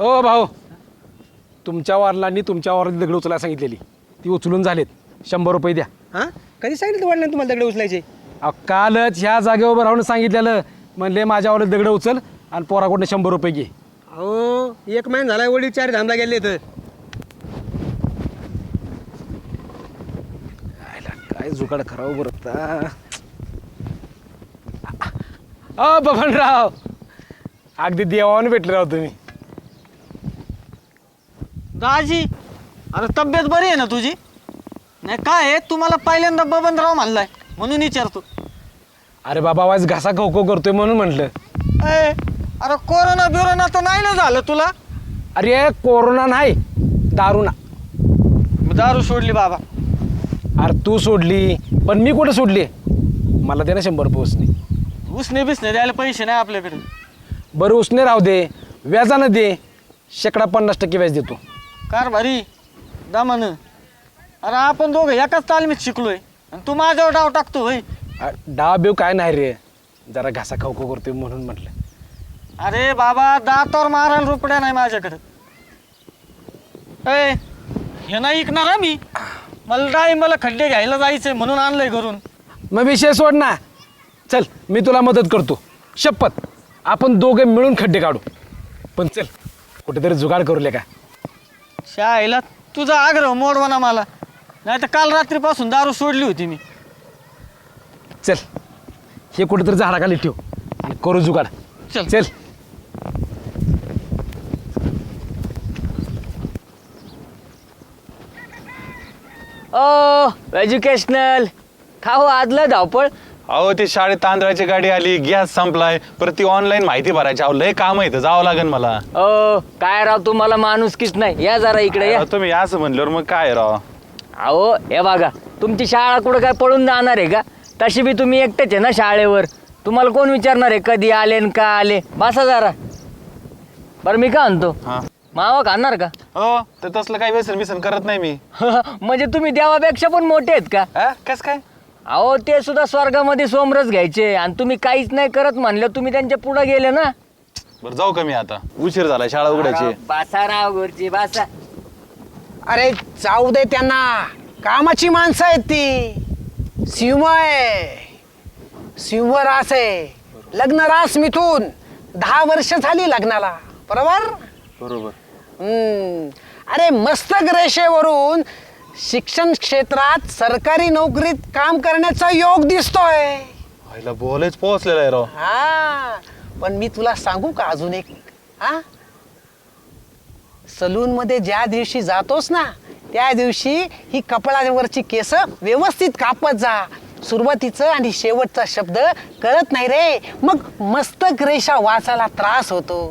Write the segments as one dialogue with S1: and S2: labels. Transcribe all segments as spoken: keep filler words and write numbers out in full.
S1: ओ भाऊ, तुमच्या वडिलांनी तुमच्या वडिलांनी दगड उचलायला सांगितलेली, ती उचलून झालेत. शंभर रुपये द्या.
S2: हां कधी सांगितलं वडिलांनी तुम्हाला दगड उचलायचे?
S1: अहो, कालच ह्या जागेवर उभं राहून सांगितलेलं. म्हणले माझ्या वडील दगड उचल आणि पोराकडनं शंभर रुपये घे.
S2: अहो एक महिना झाला वडील चार धामला गेले तर.
S1: काय जुगाड करावं बरं. अ बबनराव, अगदी देवाने भेटले राव तुम्ही.
S3: दाजी, अरे तब्येत बरी आहे ना तुझी? नाही काय आहे, तुम्हाला पहिल्यांदा बबनराव म्हणलाय म्हणून विचारतो.
S1: अरे बाबा, आवाज घासा खो खो करतोय म्हणून म्हटलं.
S3: ए, अरे कोरोना बिरोना तर नाही ना झालं तुला?
S1: अरे कोरोना नाही, दारू ना.
S3: मी दारू सोडली बाबा.
S1: अरे तू सोडली, पण मी कुठं सोडली? मला दे ना शंभर रुपये उसने.
S3: उसने बिसने द्यायला पैसे नाही आपल्याकडे.
S1: बरं उसने राहू दे, व्याजानं दे. शेकडा पन्नास टक्के व्याज देतो.
S3: कार भारी दामान. अरे आपण दोघं एकाच तालमीत शिकलोय आणि तू माझ्यावर डाव टाकतो होय.
S1: डाव बिव काय नाही रे, जरा घासा खाऊ खाऊ करतोय म्हणून म्हटलं.
S3: अरे बाबा, दातावर मारायला रुपड्या नाही माझ्याकडे. ए, हे नाही ऐकणार हा मी. मला डाळी मला खड्डे घ्यायला जायचंय म्हणून आणलंय घरून.
S1: मग विषय सोड ना. चल मी तुला मदत करतो, शपथ. आपण दोघे मिळून खड्डे काढू. पण चल कुठेतरी जुगाड करूले का.
S3: शाळेला तुझा आग्रह मोडवा ना मला, नाही तर काल रात्रीपासून दारू सोडली होती मी.
S1: चल हे कुठेतरी झाडाखाली ठेव आणि करू जुगाड.
S3: चल
S1: चल.
S4: ओ एज्युकेशनल खाऊ आदलं धावपळ.
S5: अहो ती शाळेत तांदळाची गाडी आली, गॅस संपलाय, परत ती ऑनलाईन माहिती भरायची. अहो लय काम आहे, जावं लागेल मला.
S4: ओ काय राव, तुम्हाला माणुसकीच नाही. या जरा इकडे या.
S5: अहो, तुम्ही असं म्हणल्यावर मग काय राव.
S4: अहो हे बघा, तुमची शाळा कुठं काय पळून जाणार आहे का? तशी बी तुम्ही एकटेच आहे ना शाळेवर. तुम्हाला कोण विचारणार आहे कधी आले न का आले? बसा जरा. बरं मी का म्हणतो,
S5: हा
S4: मावा खाणार का?
S5: हो, तर तसलं काही व्यसन बिसन करत नाही मी.
S4: म्हणजे तुम्ही देवापेक्षा पण मोठे आहेत का?
S5: हा कस काय?
S4: अहो ते सुद्धा स्वर्गामध्ये सोमरस घ्यायचे आणि तुम्ही काहीच नाही करत म्हणलं, तुम्ही त्यांच्या पुढे गेले ना.
S5: बरं जाऊ का मी आता, उशीर झाला शाळा उघडायची.
S4: बासा राव गुरुजी बासा.
S2: अरे जाऊ दे त्यांना, कामाची माणसं आहेत ती. सिंह आहे, सिंह रास आहे. लग्न रास मिथून दहा वर्ष झाली लग्नाला, बरोबर?
S5: बरोबर.
S2: हम्म. अरे मस्तक रेषेवरून शिक्षण क्षेत्रात सरकारी नोकरीत काम करण्याचा योग दिसतोय.
S5: व्हायला बोलायच पोहोचलेला आहे राव.
S2: हा पण मी तुला सांगू का अजून एक? हा सलून मध्ये ज्या दिवशी जातोस ना, त्या दिवशी ही कपाळावरची केस व्यवस्थित कापत जा. सुरुवातीचं आणि शेवटचा शब्द कळत नाही रे, मग मस्तक रेषा वाचायला त्रास होतो.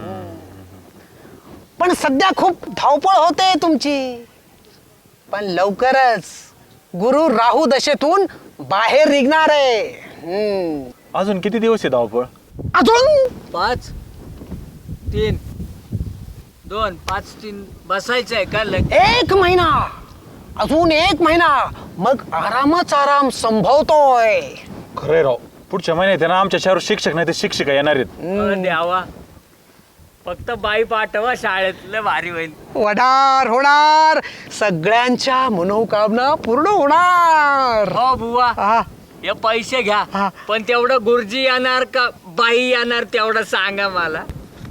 S2: पण सध्या खूप धावपळ होते तुमची. पण लवकरच गुरु राहू दशेतून बाहेर निघणार आहे. हम्म.
S5: अजून किती दिवस आहे धावपळ?
S2: अजून
S4: पाच तीन दोन पाच तीन बसायचं आहे का? लग
S2: एक महिना, अजून एक महिना, मग आरामच आराम संभवतोय.
S5: खरंय राव, पुढच्या महिन्यात आहे ना आमच्या शहरात शिक्षक नाही तर शिक्षिका येणार आहेत.
S4: द्यावा, फक्त बाई पाठवा शाळेत, लय भारी होईल.
S2: होणार होणार, सगळ्यांच्या मनोकामना पूर्ण होणार.
S4: हो बुवा,
S2: हा.
S4: हे पैसे घ्या,
S2: हा.
S4: पण तेवढं गुरुजी येणार का बाई येणार तेवढं सांगा मला.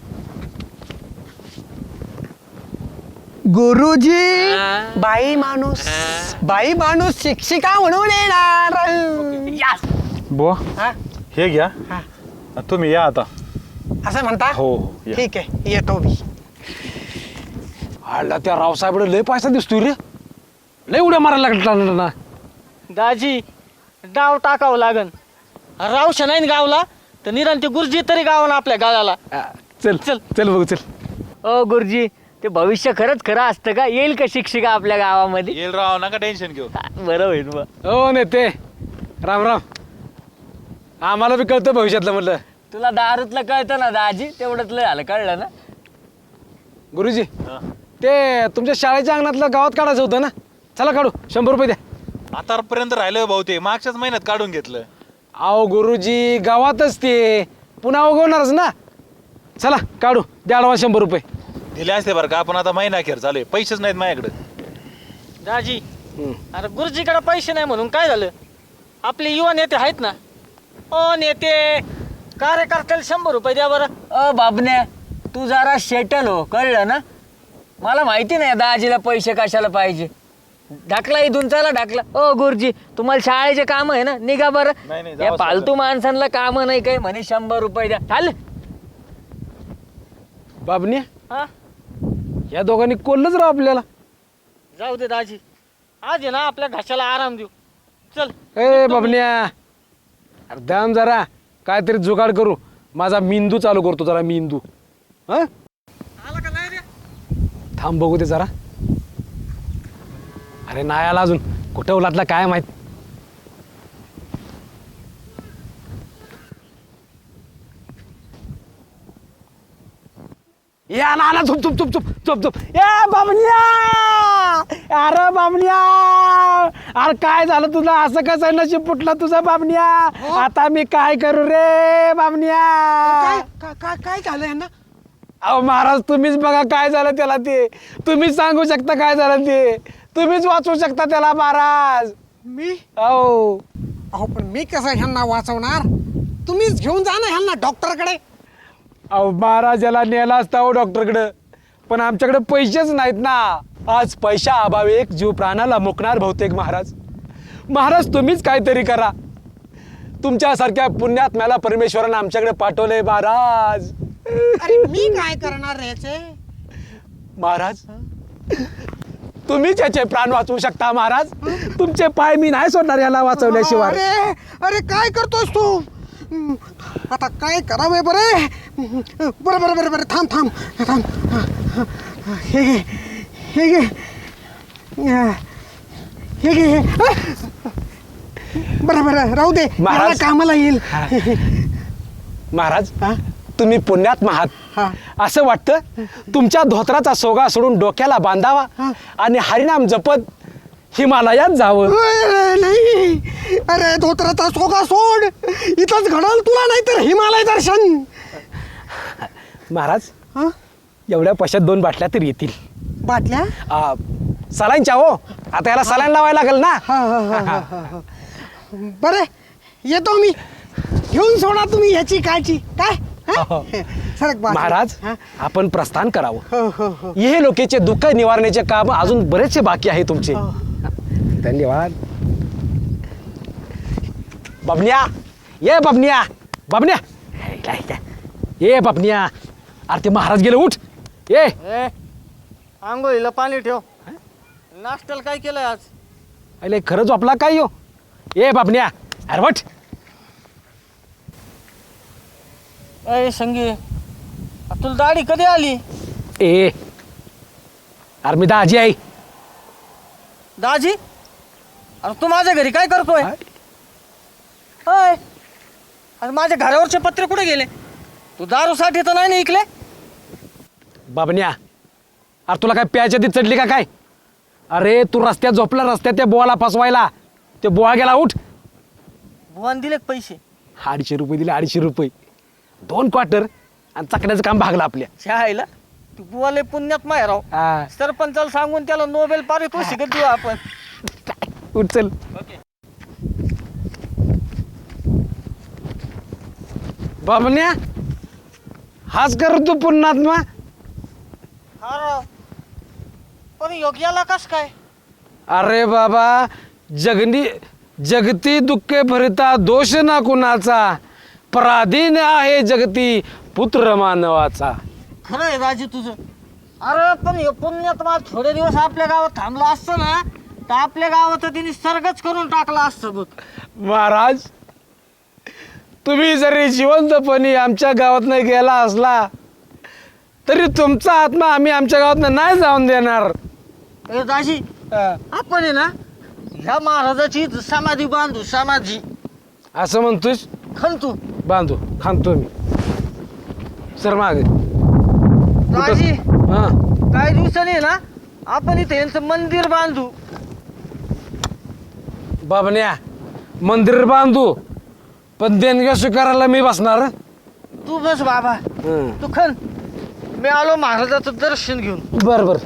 S2: गुरुजी
S4: हा.
S2: बाई माणूस,
S4: हा.
S2: बाई माणूस शिक्षिका म्हणून येणार.
S4: यास.
S5: बुवा
S2: हा?
S5: हे घ्या,
S2: हा.
S5: तुम्ही या आता.
S2: असं म्हणता?
S5: हो हो या.
S2: ठीक आहे, येतो मी.
S1: आला त्या रावसाहेबकडे लय पैसा दिसतोय रे. लय उड्या मारायला लागला ना.
S3: दाजी, डाव टाकावं लागन. रावशा नाही ना गावला तर निरांत ते गुरुजी तरी गावाला आपल्या गावाला.
S1: आ, चल चल चल बघू चल.
S4: ओ गुरुजी, ते भविष्य खरंच खरं असतं का? येईल का शिक्षिका आपल्या गावामध्ये?
S5: येईल राव, नका टेन्शन घेऊ.
S4: बरं होईल बा.
S1: हो नेते, राम राम. आम्हाला बी कळतं भविष्यातलं म्हटलं.
S4: तुला दारूतलं कळतं ना दाजी, तेवढंच लय झालं, कळलं ना?
S1: गुरुजी, ते तुमच्या शाळेच्या अंगणातलं गावात काढायचं होतं ना, चला काढू. शंभर रुपये द्या.
S5: आतापर्यंत राहिलं भाऊ, ते मागच्याच महिन्यात काढून घेतलं.
S1: अहो गुरुजी, गावातच ते पुन्हा उगवणारच ना. चला काढू, द्या ॲडव्हान्स शंभर रुपये.
S5: दिले असते बरं का, आपण आता महिना अखेर चालू आहे, पैसेच नाहीत माझ्याकडे.
S3: दाजी अरे गुरुजीकडे पैसे नाही म्हणून काय झालं? आपले युवा नेते आहेत ना. ओ नेते, कार्यकर्त्याला शंभर रुपये द्या बरं.
S4: अ बाबन्या, तू जरा शेटल हो, कळलं ना? मला माहिती नाही दाजीला पैसे कशाला पाहिजे. ढाकला इथून, चला ढाकला. ओ गुरुजी, तुम्हाला शाळेचे काम आहे ना, निघा बरं.
S5: नाही, नाही,
S4: या
S5: जावंच
S4: फालतू माणसांना काम नाही काही, म्हणे शंभर रुपये द्या. चाल.
S1: बाबने,
S3: हा
S1: या दोघांनी कोल्लच राव आपल्याला.
S3: जाऊ दे दाजी, आज आहे ना आपल्या घशाला आराम देऊ. चल.
S1: ए बाबन्या, अरे दाम जरा काहीतरी जुगाड करू. माझा मेंदू चालू करतो जरा, मेंदू. हा
S3: आला का नाही रे?
S1: थांब बघू दे जरा. अरे नाही आला अजून, कुठं उलातला काय माहित. या आला आला, चुप चुप चुप चुप चुप चुप. ए बाबन्या, अरे बाबन्या, अरे काय झालं तुझं? असं कसं नशीब फुटलं तुझं बाबन्या? आता मी काय करू रे बाबन्या?
S2: काय का- का- काय झालं यांना?
S1: अहो महाराज, तुम्हीच बघा काय झालं त्याला. ते तुम्हीच सांगू शकता काय झालं ते. तुम्हीच वाचवू शकता त्याला महाराज.
S2: मी
S1: अहो
S2: अहो पण मी कसं ह्यांना वाचवणार? तुम्हीच घेऊन जा ना ह्यांना डॉक्टरकडे.
S1: अहो महाराज, याला नेला असता हो डॉक्टरकडं, पण आमच्याकडे पैसेच नाहीत ना. आज पैशा अभावी एक जीव प्राणाला मुकणार बहुतेक महाराज. महाराज तुम्हीच काहीतरी करा. तुमच्यासारख्या पुण्यात्म्याला परमेश्वरानं आमच्याकडे पाठवलंय महाराज.
S2: अरे मी काय करणार रे याचे?
S1: महाराज तुम्हीच याचे प्राण वाचवू शकता महाराज. तुमचे पाय मी नाही सोडणार याला वाचवल्याशिवाय.
S2: अरे अरे काय करतोस तू? हम्म, आता काय करावे बरे? बरं बरं बरं बरं थांब थांब थांब. हे घे हे घे हे घे. बरं बरं राहू दे,
S1: महाराज.
S2: मला कामाला येईल.
S1: महाराज
S2: हा?
S1: तुम्ही पुण्यात्मा
S2: हा.
S1: आहात असं वाटतं. तुमच्या धोत्राचा सोगा सोडून डोक्याला बांधावा
S2: हा.
S1: आणि हरिनाम जपत हिमालयात जावं.
S2: अरे नाही, अरे धोत्राचा सोगा सोड, इथंच घडल तुला, नाही तर हिमालय दर्शन.
S1: महाराज
S2: हा?
S1: एवढ्या पैशात दोन बाटल्या तरी येतील.
S2: बाटल्या?
S1: आ, सलाईनच्या हो, आता याला सलाईन लावायला लागेल ना.
S2: हा हा हा हा हा हा. बरं येतो मी, घेऊन सोडा तुम्ही ह्याची काळजी. काय हा?
S1: हो.
S2: सरक बाजूला.
S1: महाराज
S2: हा?
S1: आपण प्रस्थान करावं.
S2: हो हो हो
S1: हे लोकेचे दुःख निवारण्याचे काम अजून बरेचसे बाकी आहे तुमचे.
S2: हो.
S1: धन्यवाद. बबन्या, ये बबन्या, बबन्या, ये बबन्या. अरे ते महाराज गेले, उठ. ये
S3: ए, आंघोळीला पाणी ठेव. नाश्त्याला काय केलंय आज?
S1: अरे खरंच आपला काय यो. ये बबन्या, अरे वट.
S3: अय संगी, तुला दाढी कधी आली?
S1: ए अरे मी दाजी आहे.
S3: दाजी, अरे तू माझ्या घरी काय करतोय? अय, अरे माझ्या घरावरचे पत्रे कुठे गेले? तू दारूसाठी तर नाही ना इकले?
S1: बाबन्या, अरे तुला काय प्यायच्या ती चढली का काय? अरे तू रस्त्यात झोपला, रस्त्यात त्या बोळाला फसवायला. ते बोळा गेला, उठ.
S3: भुवन दिले का पैसे?
S1: अडीचशे रुपये दिले, अडीचशे रुपये, दोन क्वार्टर आणि चकण्याचं काम भागलं आपल्या.
S3: शाळेला तू बुवाले पुण्यात माय राव.
S1: हा,
S3: सरपंचाला सांगून त्याला नोबेल पारितोषिक देऊ आपण.
S1: उठ चल. बाबन्या, हाच कर तू पुण्यात्मा.
S3: हा राव, पण योग्याला कस काय?
S1: अरे बाबा, जगनी जगती दुःखे भरिता दोष ना कुणाचा, पराधीन आहे जगती पुत्र मानवाचा.
S3: खरं आहे राजी तुझं. अरे पण हे पुण्यात मला थोडे दिवस आपल्या गावात थांबलो असतं ना, तर आपल्या गावात तिने सर्गच करून टाकला असतं बघ.
S1: महाराज, तुम्ही जरी जिवंतपणी आमच्या गावात नाही गेला असला तरी तुमचा आत्मा आम्ही आमच्या गावात नाही जाऊन देणार.
S3: ए दाजी,
S1: हा,
S3: आपण आहे ना ह्या महाराजाची समाधी बांधू. समाधी
S1: असं म्हणतोस?
S3: खंतू.
S1: बांधू, खांतो मी. सर माग.
S3: दाजी,
S1: हा,
S3: काही दिवसांनी ना आपण इथे यांचं मंदिर बांधू.
S1: बाबन्या, मंदिर बांधू, पण देणग्या स्वीकारायला मी बसणार.
S3: तू बस बाबा,
S1: हं.
S3: तू खन, मी आलो महाराजाचं दर्शन घेऊन.
S1: बर बर.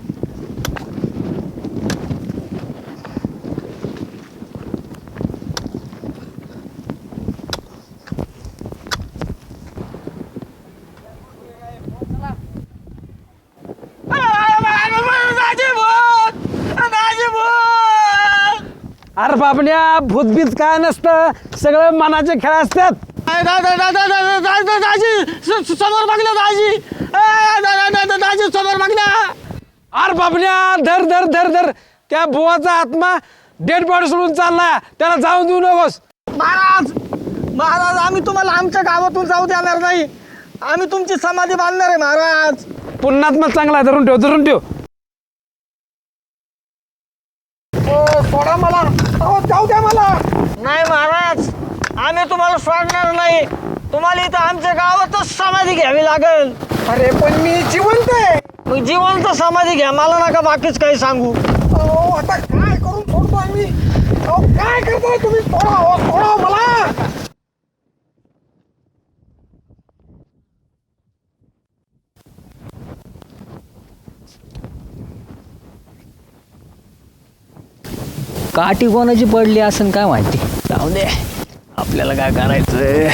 S1: अरे बाबड्या भूतबीत काय नसतं, सगळं मनाचे खेळ असतात.
S3: समोर बघलं दाजी, दाजी समोर बघलं.
S1: अरे बाबड्या धर धर धर धर, त्या बुवाचा आत्मा डेड बॉडी सोडून चालला, त्याला जाऊन देऊ नकोस.
S3: महाराज महाराज आम्ही तुम्हाला आमच्या गावातून जाऊ देणार नाही. आम्ही तुमची समाधी बांधणार आहे महाराज.
S1: पुण्यात्मा चांगला आहे, धरून ठेव धरून ठेव.
S3: सोडा मला, जाऊ द्या मला. नाही महाराज, आम्ही तुम्हाला सोडणार नाही. तुम्हाला इथं आमच्या गावातच समाधी घ्यावी लागेल.
S2: अरे पण मी जिवंत आहे.
S3: मग जिवंत समाधी घ्या, मला नका बाकीच काही सांगू.
S2: अहो, आता काय करून सोडतोय मी? अहो, काय करताय तुम्ही? सोडा हो, सोडा हो मला.
S4: काठी कोणाची पडली असेल काय माहिती. जाऊ दे, आपल्याला काय करायचं.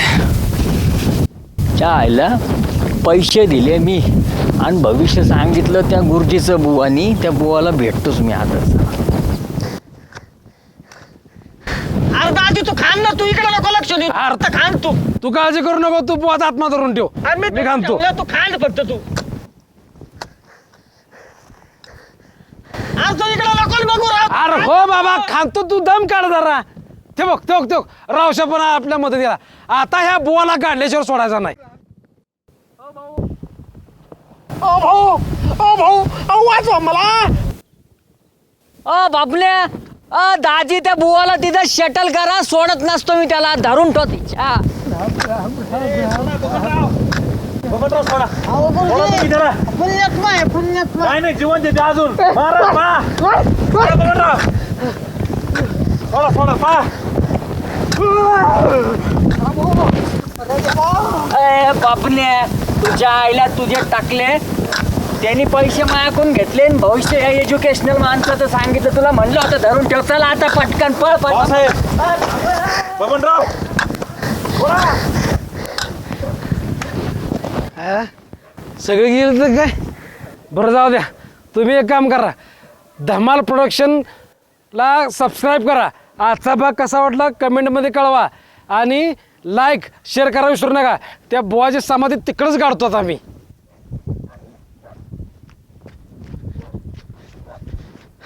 S4: आईला पैसे दिले मी आणि भविष्य सांगितलं त्या गुरुजीचं बुवानी. त्या बुवाला भेटतोच मी आजच.
S3: अरे दादी तू खान ना, तू इकडे नको लक्ष देऊ. अर्थ खान तू.
S1: तू काळजी करू नको, तू बुवाचा आत्मा धरून ठेव.
S3: अरे मी
S1: मी खांतो.
S3: ठेवलं, तू खान फक्त तू. अरे तू इकडे नको बघू राव.
S1: अरे हो बाबा खांतो, तू दम काढ जरा. ते बघ ते बघ ते बघ, रावशा पण आपल्या मदतीला. आता ह्या बुवाला काढल्याशिवाय सोडायचा नाही.
S2: अहो भाऊ, अहो भाऊ, अहो वाचवा मला.
S4: अ बापल्या, अ दाजी त्या बुवाला तिथं शटल करा. सोडत नसतो मी त्याला, धरून ठेव तिच्या.
S3: पुण्यात्मा आहे पुण्यात्मा.
S5: नाही नाही जिवंत येते अजून. महाराज पहा. सोडा सोडा पहा.
S4: ए बापल्या, तुझ्या आईला तुझे टाकले. त्यांनी पैसे मायाकून घेतले आणि भविष्य या एज्युकेशनल माणसाचं सांगितलं. तुला म्हणलं होतं धरून ठेव. चला आता पटकन पळ पळ.
S5: साहेब बबनराव
S1: हा? सगळे गेले तर काय बरं, जाऊ द्या. तुम्ही एक काम करा, धमाल प्रोडक्शनला सबस्क्राईब करा. आजचा भाग कसा वाटला कमेंटमध्ये कळवा आणि लाईक शेअर करा विसरू नका. त्या बुवाची समाधी तिकडंच काढतो आम्ही.